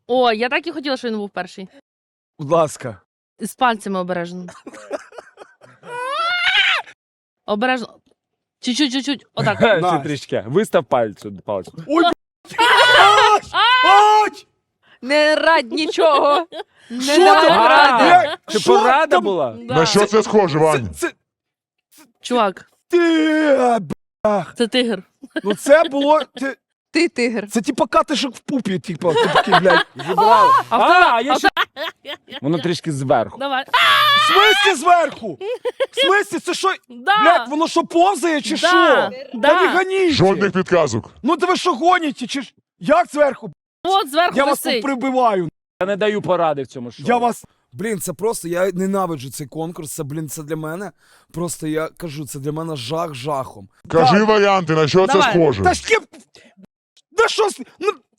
О, я так і хотіла, що він був перший. Будь ласка. З пальцями обережно. Обережно. Чуть-чуть. Отак. Настя. трішки. Вистав пальцю. Ой, ай! Не радь нічого. Не Що давай там? поради. Як? Це Що порада там? була? Да. На що це схоже, Вань? Це Чувак, ти, це тигр. ну це було, Ти тигр. це типа катишок в пупі, типа, такий, блядь. Зібрали. А Я ще... Воно трішки зверху. Давай. В смислі зверху? В смислі, це що? Да. Блядь, воно що повзає чи що? Та не Да. ганіть. Жодних підказок. Ну ти ви що гоніте, чи ж? Як зверху? От зверху Я вас тут висить. прибиваю. Я не даю поради в цьому шоу. Я вас... Блін, це просто, я ненавиджу цей конкурс, це, блін, це для мене, просто я кажу, це для мене жах жахом. Кажи варіанти, на що це Давай. схоже. Та ж кеп... Да що... Ну,